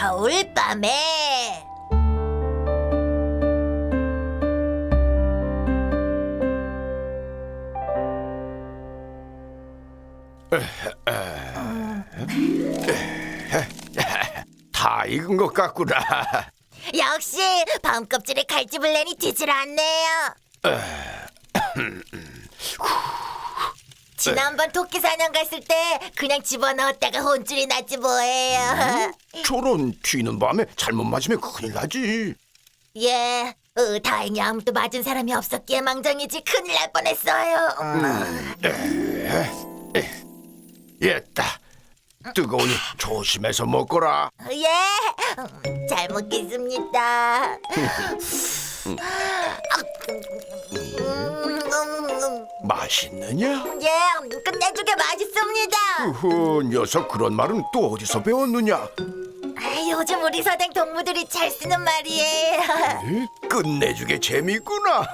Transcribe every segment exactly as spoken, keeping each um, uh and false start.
겨울밤에. 다 익은 것 같구나. 역시 밤 껍질에 칼집을 내니 되질 않네요. 지난번 토끼 사냥 갔을 때 그냥 집어넣었다가 혼쭐이 났지 뭐예요. 저런 튀는 밤에 잘못 맞으면 큰일 나지. 예, 어, 다행히 아무도 맞은 사람이 없었기에 망정이지 큰일 날 뻔했어요. 됐다. 뜨거우니 조심해서 먹거라. 예, 음, 잘 먹겠습니다. 맛있느냐? 예, 끝내주게 맛있습니다. 흐흐, 녀석 그런 말은 또 어디서 배웠느냐? 아, 요즘 우리 서당 동무들이 잘 쓰는 말이에요. 에? 끝내주게 재밌구나.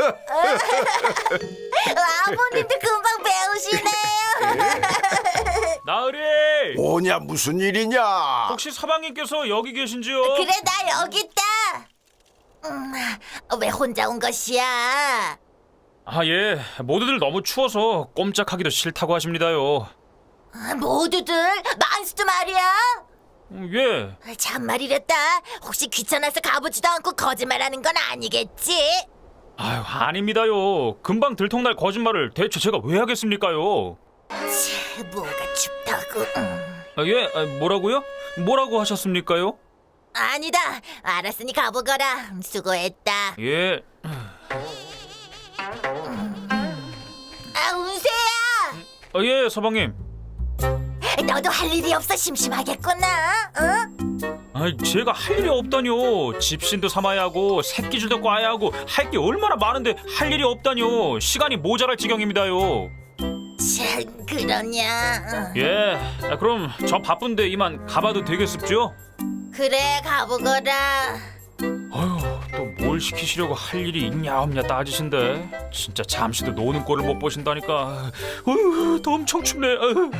아버님도 금방 배우시네요. 나으리! 뭐냐 무슨 일이냐? 혹시 서방님께서 여기 계신지요? 그래, 나 여기 있다. 음, 왜 혼자 온 것이야? 아, 예. 모두들 너무 추워서 꼼짝하기도 싫다고 하십니다요. 아, 모두들 만수도 말이야. 음, 예. 참말이랬다. 혹시 귀찮아서 가보지도 않고 거짓말하는 건 아니겠지? 아유, 아닙니다요. 금방 들통날 거짓말을 대체 제가 왜 하겠습니까요? 치, 뭐가 춥다고. 음. 아, 예, 아, 뭐라고요? 뭐라고 하셨습니까요? 아니다. 알았으니 가보거라. 수고했다. 예. 아, 운세야. 아, 예, 서방님. 너도 할 일이 없어 심심하겠구나. 응? 아, 제가 할 일이 없다뇨. 집신도 삼아야 하고 새끼줄도 꽈야 하고 할 게 얼마나 많은데 할 일이 없다뇨. 시간이 모자랄 지경입니다요. 참, 그러냐. 응. 예, 아, 그럼 저 바쁜데 이만 가봐도 되겠습죠? 그래, 가보거라. 아유, 또 뭘 시키시려고 할 일이 있냐 없냐 따지신데 진짜 잠시도 노는 꼴을 못 보신다니까. 어휴, 더 엄청 춥네. 아유.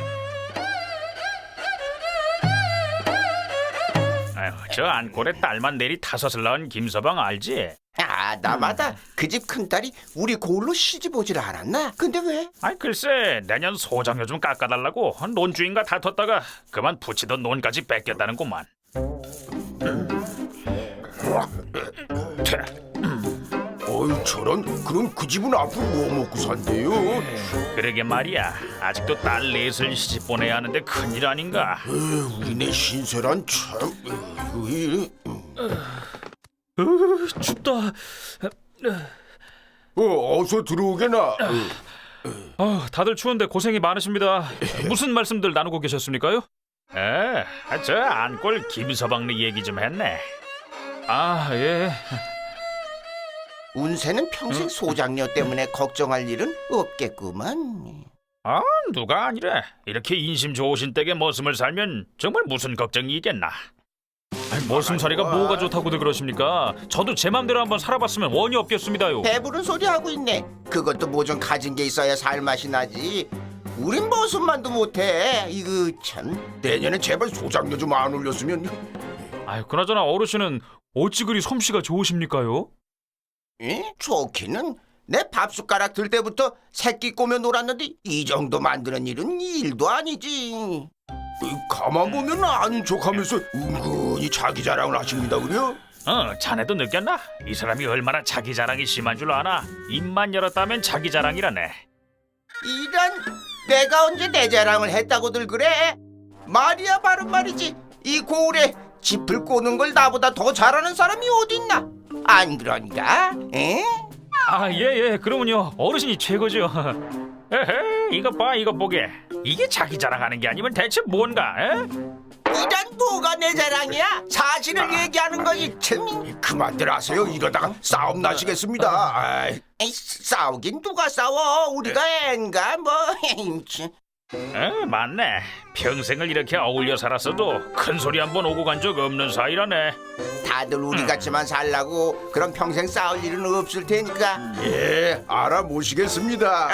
아유, 저 안골에 딸만 내리 다섯을 낳은 김서방 알지? 아, 나마다 그 집 큰딸이 우리 고을로 시집 오질 않았나? 근데 왜? 아이 글쎄 내년 소장료 좀 깎아달라고 논주인과 다퉜다가 그만 붙이던 논까지 뺏겼다는구만. 어이 저런 그럼 그 집은 앞으로 뭐 먹고 산대요? 그러게 말이야. 아직도 딸 넷을 시집 보내야 하는데 큰일 아닌가. 에휴, 우리네 신세란 참. 에이, 으, 춥다. 어, 어서 들어오게나. 아, 다들 추운데 고생이 많으십니다. 무슨 말씀들 나누고 계셨습니까요? 에, 저 안골 김서방네 얘기 좀 했네. 아, 예. 운세는 평생 소장녀 때문에 걱정할 일은 없겠구만. 아, 누가 아니래. 이렇게 인심 좋으신 댁에 머슴을 살면 정말 무슨 걱정이 있겠나. 아니, 머슴살이가 뭐가 좋다고들 그러십니까? 저도 제 맘대로 한번 살아봤으면 원이 없겠습니다요. 배부른 소리 하고 있네. 그것도 뭐 좀 가진 게 있어야 살맛이 나지. 우린 머슴만도 못해. 이거 참. 내년에 제발 소장료 좀 안 올렸으면. 아유, 그나저나 어르신은 어찌 그리 솜씨가 좋으십니까요? 에? 좋기는 내 밥숟가락 들 때부터 새끼 꼬며 놀았는데 이 정도 만드는 일은 일도 아니지. 가만 보면 아닌 척하면서 은근히 자기 자랑을 하십니다, 그래요? 어, 자네도 느꼈나? 이 사람이 얼마나 자기 자랑이 심한 줄 아나? 입만 열었다면 자기 자랑이라네. 이런, 내가 언제 내 자랑을 했다고들 그래? 말이야 바른 말이지. 이 고을에 짚을 꼬는 걸 나보다 더 잘하는 사람이 어딨나? 안 그런가? 에? 아, 예, 예, 그러면요 어르신이 최고죠. 에헤, 이것 봐, 이것 보게. 이게 자기 자랑하는 게 아니면 대체 뭔가? 에? 이런 뭐가 내 자랑이야? 사실을 얘기하는 거지. 참. 그만들 하세요. 이러다가 싸움 나시겠습니다. 아이, 에이, 싸우긴 누가 싸워? 우리가 앤가 뭐. 참. 에, 맞네. 평생을 이렇게 어울려 살았어도 큰 소리 한 번 오고 간 적 없는 사이라네. 다들 우리 같이만 살라고 그럼 평생 싸울 일은 없을 테니까. 예, 알아보시겠습니다.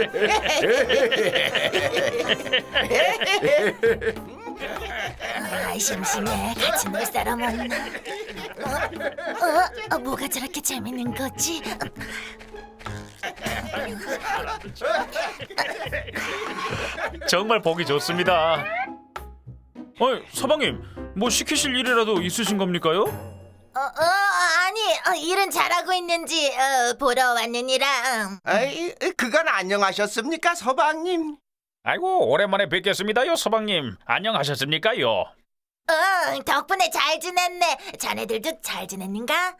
아, 심심해. 같이 놀 사람 없나? 어? 어? 어? 뭐가 저렇게 재밌는 거지? 정말 보기 좋습니다. 어, 서방님, 뭐 시키실 일이라도 있으신 겁니까요? 어, 어 아니 어, 일은 잘하고 있는지 어, 보러 왔느니라. 음. 아이, 그건 안녕하셨습니까, 서방님? 아이고, 오랜만에 뵙겠습니다요, 서방님. 안녕하셨습니까요? 어, 덕분에 잘 지냈네. 자네들도 잘 지냈는가?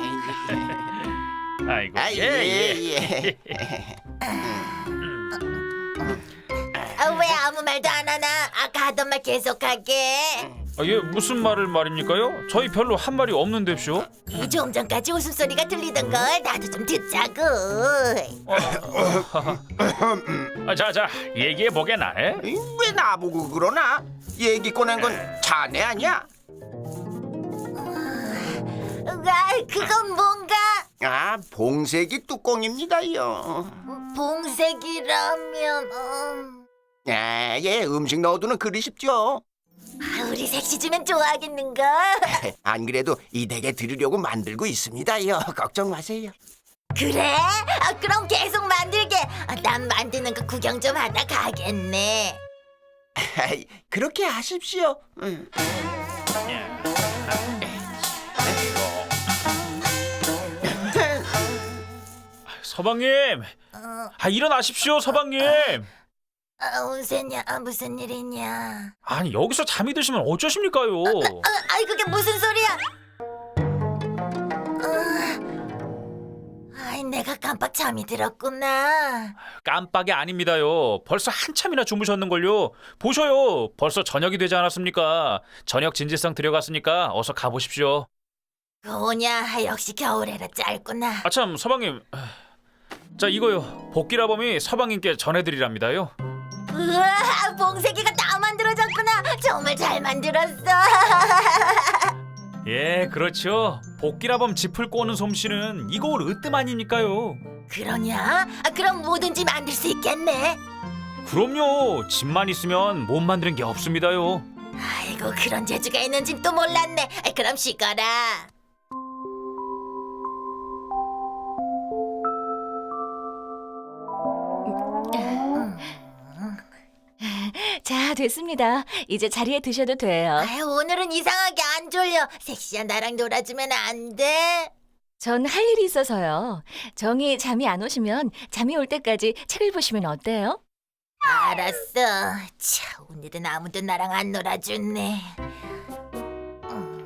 아이고, 아, 예, 예, 예. 예. 어, 왜 아무 말도 안 하나? 아까 하던 말 계속하게. 아, 예, 무슨 말을 말입니까요? 저희 별로 한 말이 없는데쇼. 좀 전까지 웃음소리가 들리던 걸 나도 좀 듣자고. 아, 자, 자, 얘기해 보게나. 에? 이, 왜 나보고 그러나? 얘기 꺼낸 건 자네 아니야? 아, 그건 뭔가 아, 봉색이 뚜껑입니다요. 봉색이라면 음. 아, 예, 음식 넣어두는 그릇이죠. 아, 우리 색시주면 좋아하겠는가? 안 그래도 이 댁에 드리려고 만들고 있습니다요. 걱정 마세요. 그래? 아, 그럼 계속 만들게. 아, 난 만드는 거 구경 좀 하다 가겠네. 아이, 그렇게 하십시오. 음. 서방님, 어, 아, 일어나십시오, 서방님. 아, 무슨냐? 아, 무슨 일이냐? 아니, 여기서 잠이 드시면 어쩌십니까요? 아, 아이 그게 무슨 소리야? 어, 아이 내가 깜빡 잠이 들었구나. 깜빡이 아닙니다요. 벌써 한참이나 주무셨는걸요. 보셔요. 벌써 저녁이 되지 않았습니까? 저녁 진지성 들여갔으니까 어서 가보십시오. 뭐냐? 역시 겨울에라 짧구나. 아참, 서방님. 자, 이거요. 복기라범이 서방님께 전해드리랍니다요. 우와, 봉색이가 다 만들어졌구나. 정말 잘 만들었어. 예, 그렇죠. 복기라범 짚을 꼬는 솜씨는 이거울 으뜸 아닙니까요? 그러냐? 아, 그럼 뭐든지 만들 수 있겠네. 그럼요. 집만 있으면 못 만드는 게 없습니다요. 아이고 그런 재주가 있는진 또 몰랐네. 아, 그럼 쉬거라. 자, 됐습니다. 이제 자리에 드셔도 돼요. 아유, 오늘은 이상하게 안 졸려. 섹시한 나랑 놀아주면 안 돼? 전 할 일이 있어서요. 정이 잠이 안 오시면 잠이 올 때까지 책을 보시면 어때요? 알았어. 차, 오늘은 아무도 나랑 안 놀아주네. 음.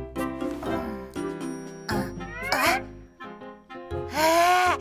어, 어? 아,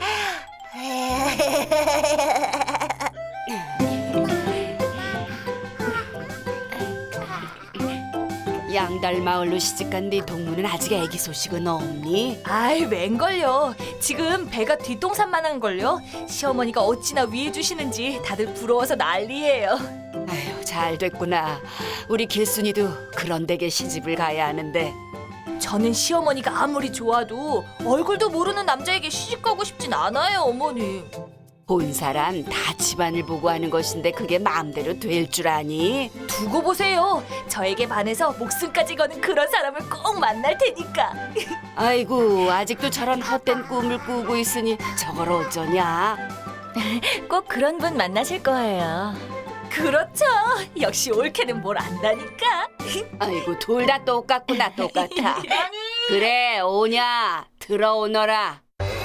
양달 마을로 시집간 네 동무는 아직 애기 소식은 없니? 아이, 웬걸요. 지금 배가 뒷동산만한 걸요. 시어머니가 어찌나 위해 주시는지 다들 부러워서 난리예요. 아휴, 잘 됐구나. 우리 길순이도 그런 댁에 시집을 가야 하는데. 저는 시어머니가 아무리 좋아도 얼굴도 모르는 남자에게 시집 가고 싶진 않아요, 어머니. 본 사람 다 집안을 보고 하는 것인데 그게 마음대로 될 줄 아니? 두고 보세요. 저에게 반해서 목숨까지 거는 그런 사람을 꼭 만날 테니까. 아이고, 아직도 저런 헛된 꿈을 꾸고 있으니 저걸 어쩌냐? 꼭 그런 분 만나실 거예요. 그렇죠. 역시 올케는 뭘 안다니까. 아이고, 둘 다 똑같구나, 똑같아. 그래, 오냐? 들어오너라.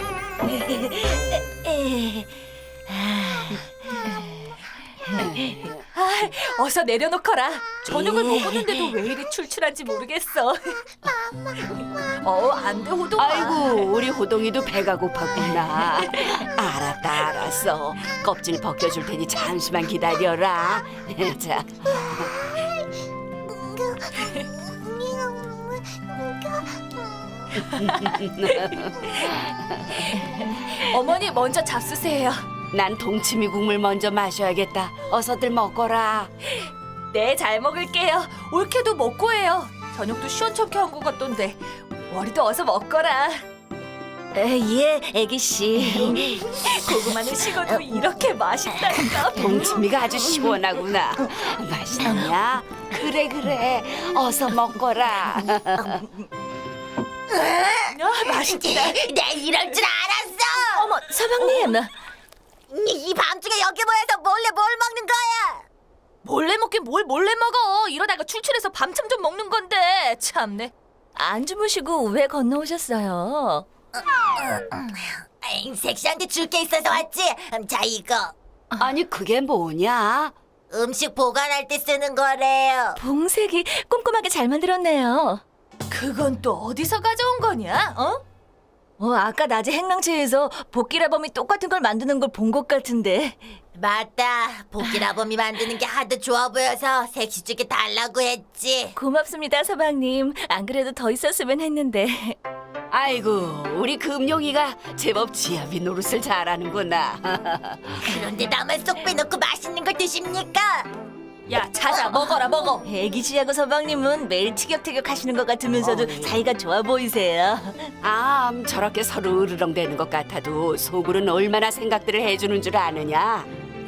아, 어서 내려놓거라. 저녁을 먹었는데도 왜 이리 출출한지 모르겠어. 어, 안 돼, 호동아. 아이고, 우리 호동이도 배가 고팠구나. 알았다, 알았어. 껍질 벗겨줄 테니 잠시만 기다려라. 자, 어머니 먼저 잡수세요. 난 동치미 국물 먼저 마셔야겠다. 어서들 먹거라. 네, 잘 먹을게요. 올케도 먹고 해요. 저녁도 시원찮게 한 것 같던데. 월이도 어서 먹거라. 예, 애기씨. 고구마는 식어도 이렇게 맛있다니까. 동치미가 아주 시원하구나. 맛있냐? 그래 그래 어서 먹거라. 아, 맛있다. 내 이럴 줄 알았어. 어머, 서방님. 이 밤중에 여기 모여서 몰래 뭘 먹는 거야? 몰래 먹긴 뭘 몰래 먹어. 이러다가 출출해서 밤참 좀 먹는 건데. 참네. 안 주무시고 왜 건너오셨어요? 에이, 섹시한테 줄 게 있어서 왔지. 음, 자, 이거 아니 그게 뭐냐? 음식 보관할 때 쓰는 거래요. 봉색이 꼼꼼하게 잘 만들었네요. 그건 또 어디서 가져온 거냐? 어? 어, 아까 낮에 행랑채에서 복기라범이 똑같은 걸 만드는 걸 본 것 같은데. 맞다. 복기라범이 만드는 게 하도 좋아 보여서 섹시 쪽에 달라고 했지. 고맙습니다, 서방님. 안 그래도 더 있었으면 했는데. 아이고 우리 금용이가 제법 지아비 노릇을 잘하는구나. 그런데 나만 쏙 빼놓고 맛있는 걸 드십니까? 야, 자자, 먹어라, 먹어. 애기 씨하고 서방님은 매일 티격태격 하시는 것 같으면서도 사이가 좋아 보이세요. 아 음, 저렇게 서로 으르렁대는 것 같아도 속으로는 얼마나 생각들을 해주는 줄 아느냐?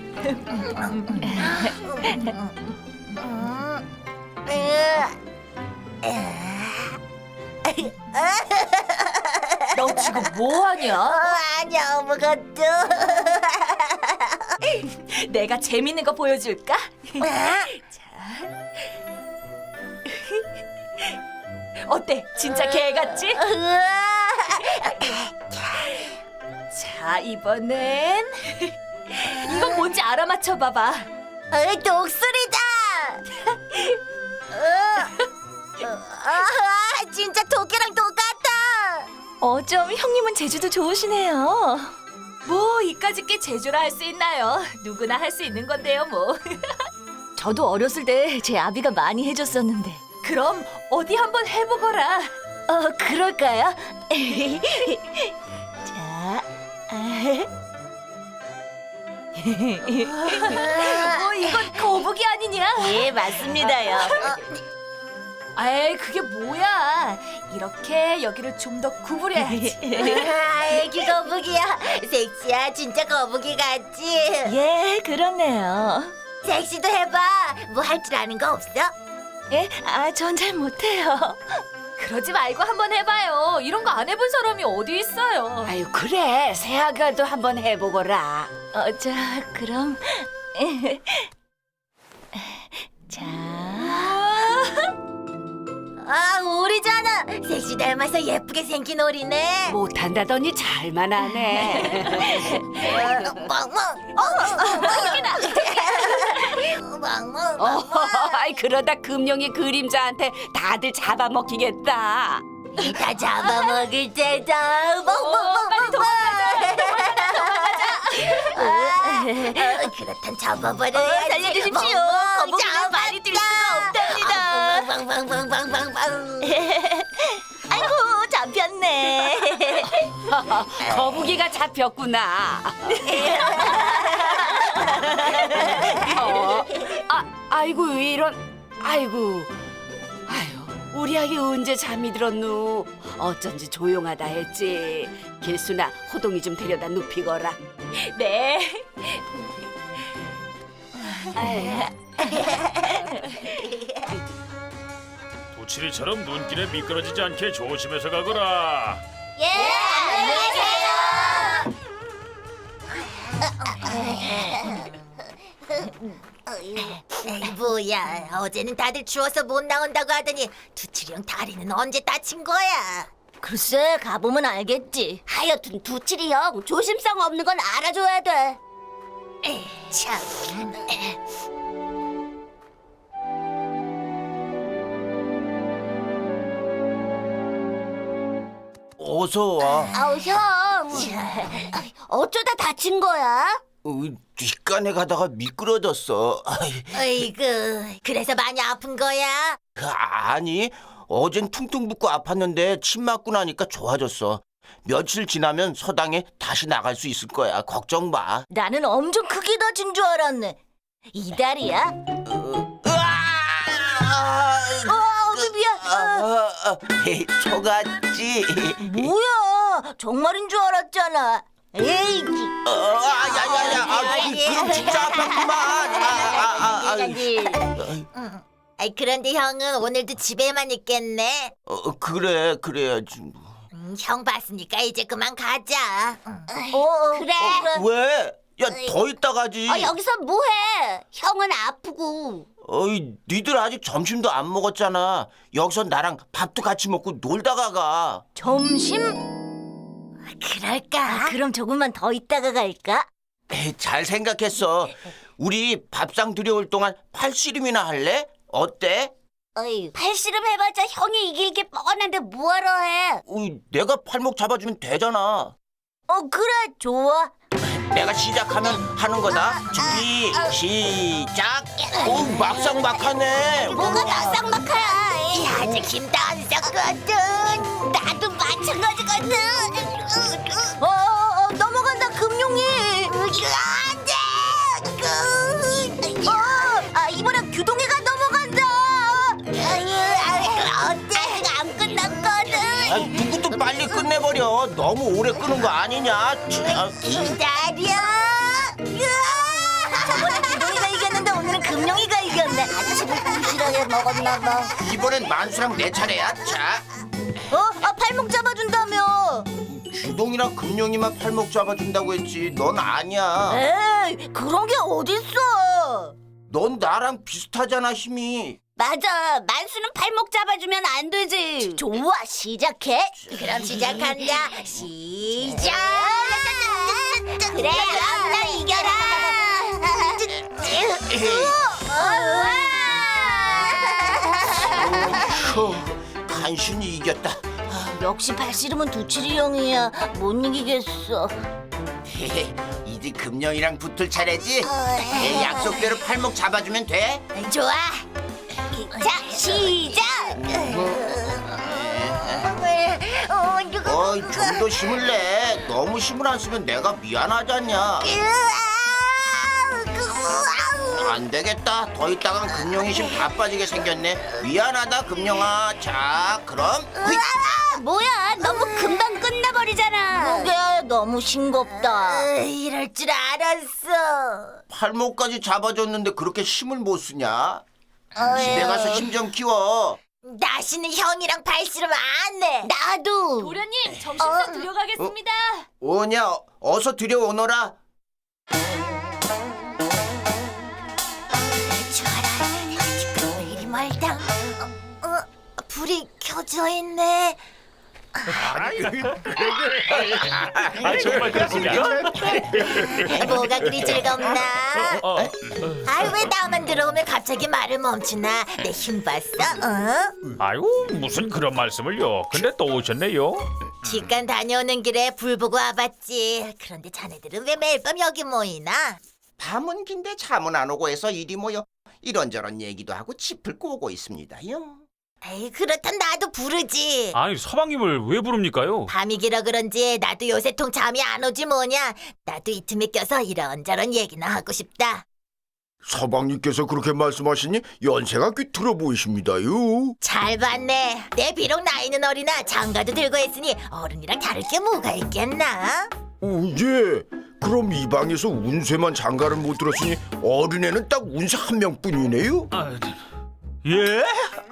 너 지금 뭐 어, 하냐? 아니야, 아무것도. 내가 재밌는 거 보여줄까? 어때? 진짜 개 같지? 자, 이번엔 이건 뭔지 알아맞혀 봐봐. 어, 독수리다. 어, 아, 진짜 토끼랑 똑같아. 어쩜 형님은 제주도 좋으시네요. 뭐 이까짓 게 제주라 할 수 있나요? 누구나 할 수 있는 건데요, 뭐. 저도 어렸을 때 제 아비가 많이 해줬었는데. 그럼 어디 한번 해보거라. 어, 그럴까요? 자, 뭐 이건 거북이 아니냐? 예, 맞습니다요. 에이, 그게 뭐야? 이렇게 여기를 좀 더 구부려야지. 아, 애기 거북이야. 섹시야, 진짜 거북이 같지? 예, 그렇네요. 섹시도 해봐. 뭐 할 줄 아는 거 없어? 예? 아, 전 잘 못해요. 그러지 말고 한번 해봐요. 이런 거 안 해본 사람이 어디 있어요. 아유 그래 새아가도 한번 해보거라. 어, 자, 그럼 자, 아, 우리잖아. 섹시 닮아서 예쁘게 생긴 오리네. 못한다더니 잘만 하네. 멍멍. 어, 여기다. 멍멍. 어, 아이 그러다 금용이 그림자한테 다들 잡아먹히겠다. 다 잡아먹을 때다. 어, 멍멍멍. 빨리 아, 그렇단 잡아버려야지. 살려주십시오. 거북이는 말이 들 수가 없답니다. 빵빵빵빵빵빵. 아이고, 잡혔네. 거북이가 잡혔구나. 어, 아, 아이고 이런, 아이고, 아유, 우리 아기 언제 잠이 들었누? 어쩐지 조용하다 했지. 길수나 호동이 좀 데려다 눕히거라. 네. 도치리처럼 눈길에 미끄러지지 않게 조심해서 가거라. 예, 안녕히 계세요. 뭐야, 어제는 다들 추워서 못 나온다고 하더니 두칠이 형 다리는 언제 다친 거야? 글쎄, 가보면 알겠지. 하여튼 두칠이 형 조심성 없는 건 알아줘야 돼. 참. 어서 와. 아우 형, 어쩌다 다친 거야? 어, 뒷간에 가다가 미끄러졌어. 아이, 어이구, 그래서 많이 아픈 거야? 아니, 어젠 퉁퉁 붓고 아팠는데 침 맞고 나니까 좋아졌어. 며칠 지나면 서당에 다시 나갈 수 있을 거야. 걱정 마. 나는 엄청 크게 다친 줄 알았네. 이 다리야? 어, 미안. 아, 아, 에이, 속았지. 뭐야? 정말인 줄 알았잖아. 에이, 어, 아, 야야야, 아, 그, 그럼 진짜 아팠구만. 아, 아, 아, 아, 아이, 그런데 형은 오늘도 집에만 있겠네. 어, 그래 그래야지. 음, 형 봤으니까 이제 그만 가자. 어, 그래. 왜? 야, 더 있다 가지. 어, 여기서 뭐해? 형은 아프고. 어이, 니들 아직 점심도 안 먹었잖아. 여기서 나랑 밥도 같이 먹고 놀다가 가. 점심? 그럴까? 그럼 조금만 더 있다가 갈까? 에이, 잘 생각했어. 우리 밥상 들여올 동안 팔씨름이나 할래? 어때? 어이, 팔씨름 해봤자 형이 이길 게 뻔한데 뭐하러 해? 어이, 내가 팔목 잡아주면 되잖아. 어, 그래, 좋아. 내가 시작하면 하는 거다. 준비 시작. 오, 막상 막하네. 뭐가 막상막하야. 이 아직 힘도 안 썼거든. 나도 마찬가지거든. 어, 어, 어, 넘어간다, 금룡이. 안돼. 어, 아, 이번엔 규동이가 넘어간다. 어때? 아직 안 끝났거든. 아, 누구도 빨리 끝내버려. 너무 오래 끄는 거 아니냐? 참. 기다려. 저번에 규동이가 이겼는데 오늘은 금룡이가 이겼네. 아침을 부실하게 먹었나봐. 이번엔 만수랑 내 차례야. 자, 어? 아, 팔목 잡아준다며. 주동이랑 금룡이만 팔목 잡아준다고 했지. 넌 아니야. 에이, 그런 게 어딨어. 넌 나랑 비슷하잖아, 힘이. 맞아, 만수는 팔목 잡아주면 안 되지. 좋아, 시작해. 그럼 시작한다. 시작. 그래, 그럼 나 이겨라. 휴, 간신히 이겼다. 역시 팔씨름은 두칠이 형이야. 못 이기겠어. 이제 금룡이랑 붙을 차례지? 내 약속대로 팔목 잡아주면 돼? 좋아. 자, 시작. 어이, 좀 더 힘을 내. 너무 힘을 안 쓰면 내가 미안하잖냐. 안 되겠다. 더 있다간 금룡이 힘 다 빠지게 생겼네. 미안하다, 금룡아. 자, 그럼. 뭐야, 너무 금방 끝나버리잖아. 그게 너무 싱겁다. 으, 이럴 줄 알았어. 팔목까지 잡아줬는데 그렇게 힘을 못 쓰냐? 집에 가서 힘 좀 키워. 다시는 형이랑 발씨름 안 해. 나도. 도련님 점심상 들여가겠습니다. 오냐, 어서 들여오너라. 좋아라. 지금 왜 이리 멀다. 어, 어, 불이 켜져 있네. 아 정말 그렇습니까? 뭐가 그리 즐겁나? 어, 아이, 왜 나만 들어오면 갑자기 말을 멈추나? 내 힘 봤어? 어? 아이고 무슨 그런 말씀을요. 근데 또 오셨네요. 직관 다녀오는 길에 불 보고 와봤지. 그런데 자네들은 왜 매일 밤 여기 모이나? 밤은 긴데 잠은 안 오고 해서 이리 모여 이런저런 얘기도 하고 짚을 꼬고 있습니다요. 에이, 그렇단 나도 부르지. 아니 서방님을 왜 부릅니까요? 밤이 길어 그런지 나도 요새 통 잠이 안 오지 뭐냐. 나도 이 틈에 껴서 이런저런 얘기나 하고 싶다. 서방님께서 그렇게 말씀하시니 연세가 꽤 들어 보이십니다요. 잘 봤네. 내 비록 나이는 어리나 장가도 들고 했으니 어른이랑 다를 게 뭐가 있겠나? 오, 예. 그럼 이 방에서 운세만 장가를 못 들었으니 어린애는 딱 운세 한 명뿐이네요. 아, 예?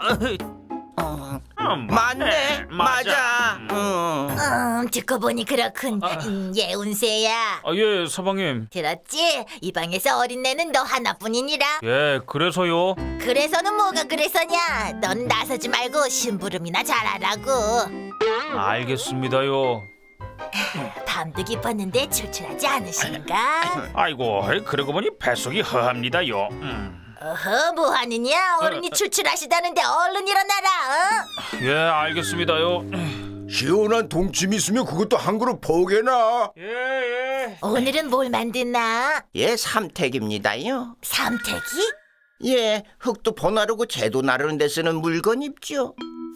음, 맞네, 맞아. 응. 음, 듣고 보니 그렇군. 음, 예, 운세야. 아, 예 서방님. 들었지? 이 방에서 어린애는 너 하나뿐이니라. 예 그래서요. 그래서는 뭐가 그래서냐? 넌 나서지 말고 심부름이나 잘하라고. 알겠습니다요. 밤도 깊었는데 출출하지 않으신가? 아이고 그러고 보니 뱃속이 허합니다요. 음. 어허, 뭐하느냐? 어른이 출출하시다는데 얼른 일어나라. 어? 예 알겠습니다요. 시원한 동침 있으면 그것도 한 그릇 포개나. 예 예. 오늘은 뭘 만드나? 예, 삼택입니다요. 삼택이? 예, 흙도 버나르고 재도 나르는 데 쓰는 물건 입죠.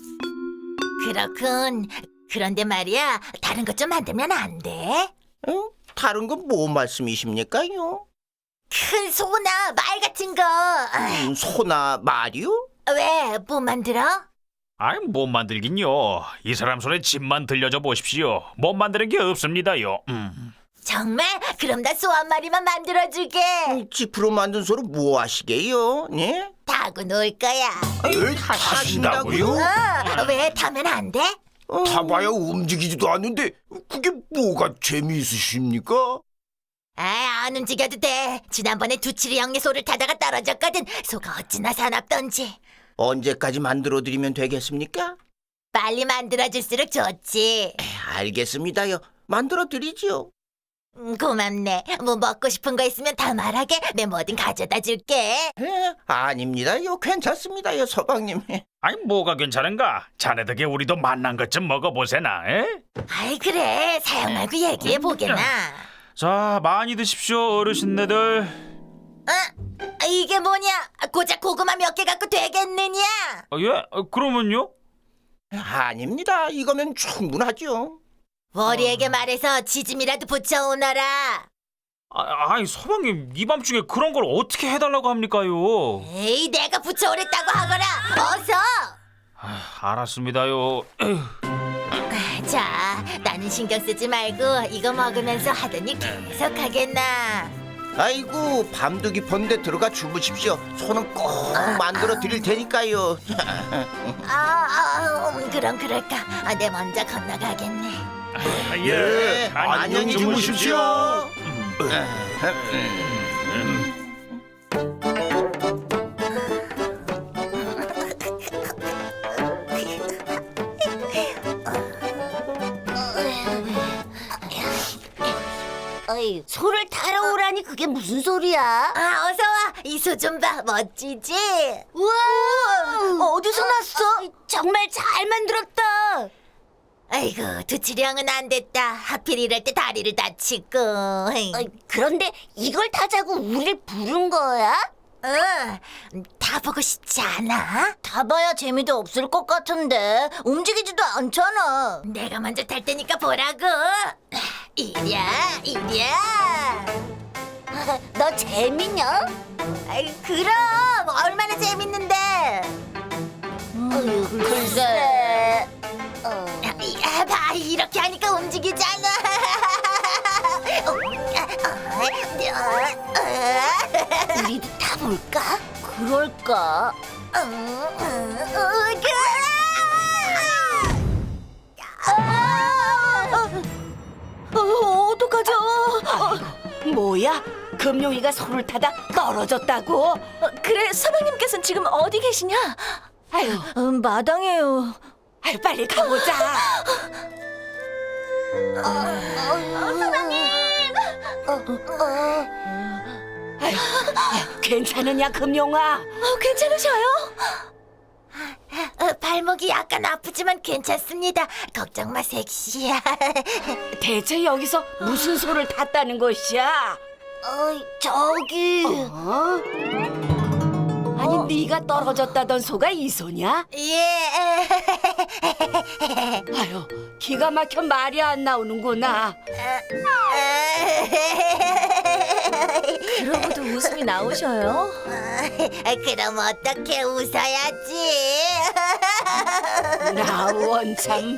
그렇군. 그런데 말이야, 다른 것 좀 만들면 안 돼? 응? 다른 건 뭐 말씀이십니까요? 큰 소나 말 같은 거. 아, 음, 소나 말이요? 왜? 뭐 만들어? 아이 못 만들긴요. 이 사람 손에 집만 들려줘 보십시오. 못 만드는 게 없습니다요. 음. 정말? 그럼 나 소 한 마리만 만들어주게. 음, 지프로 만든 소로 뭐 하시게요? 예? 타고 놀 거야. 에, 타신다고요? 어, 왜 타면 안 돼? 타봐야 움직이지도 않는데 그게 뭐가 재미있으십니까? 아, 안 움직여도 돼. 지난번에 두칠이 형네 소를 타다가 떨어졌거든. 소가 어찌나 사납던지. 언제까지 만들어드리면 되겠습니까? 빨리 만들어줄수록 좋지. 알겠습니다요. 만들어드리지요. 음, 고맙네. 뭐 먹고 싶은 거 있으면 다 말하게. 내 뭐든 가져다 줄게. 에, 아닙니다요. 괜찮습니다요, 서방님. 아니 뭐가 괜찮은가? 자네 덕에 우리도 만난 것 좀 먹어보세나. 에? 아이 그래. 사양 말고 얘기해 보게나. 자 많이 드십시오 어르신네들. 어? 이게 뭐냐? 고작 고구마 몇 개 갖고 되겠느냐? 어, 예? 어, 그러면요? 아닙니다. 이거면 충분하죠. 월이에게 말해서 지짐이라도 붙여오너라. 아, 아니 서방님 이 밤중에 그런 걸 어떻게 해달라고 합니까요? 에이, 내가 붙여오랬다고 하거라. 어서. 아, 알았습니다요. 에휴. 자, 나는 신경 쓰지 말고 이거 먹으면서 하던 일 계속 하겠나. 아이고, 밤도 깊었는데 들어가 주무십시오. 소는 꼭 만들어드릴 테니까요. 아, 아 음, 그럼 그럴까. 아, 내 먼저 건너가겠네. 아, 예, 안녕히 주무십시오. 어이, 소를 타러 오라니 그게 무슨 소리야? 아, 어서 와. 이 소 좀 봐. 멋지지? 우와! 어디서 났어? 정말 잘 만들었다. 아이고, 두칠이 형은 안 됐다. 하필 이럴 때 다리를 다치고. 어이, 그런데 이걸 타자고 우릴 부른 거야? 응, 타보고 싶지 않아? 타봐야 재미도 없을 것 같은데 움직이지도 않잖아. 내가 먼저 탈 테니까 보라고. 이랴, 이랴. 너 재밌냐? 아이, 그럼 얼마나 재밌는데. 어휴, 글쎄. 어. 야, 봐, 이렇게 하니까 움직이잖아. 우리도 타볼까? 그럴까? 어, 어떡하죠? 뭐야? 금룡이가 소를 타다 떨어졌다고? 어, 그래, 서방님께서는 지금 어디 계시냐? 아유, 음, 마당에요. 아유 빨리 가보자. 아유, 아유, 괜찮으냐 금룡아? 어, 괜찮으셔요? 어, 발목이 약간 아프지만 괜찮습니다. 걱정 마, 섹시야. 대체 여기서 무슨 소를 탔다는 것이야? 어이, 저기. 어? 아니 네가 떨어졌다던 소가 이 소냐? 예. 아유 기가 막혀 말이 안 나오는구나. 그러고도 웃음이 나오셔요? 그럼 어떻게 웃어야지? 나 원참.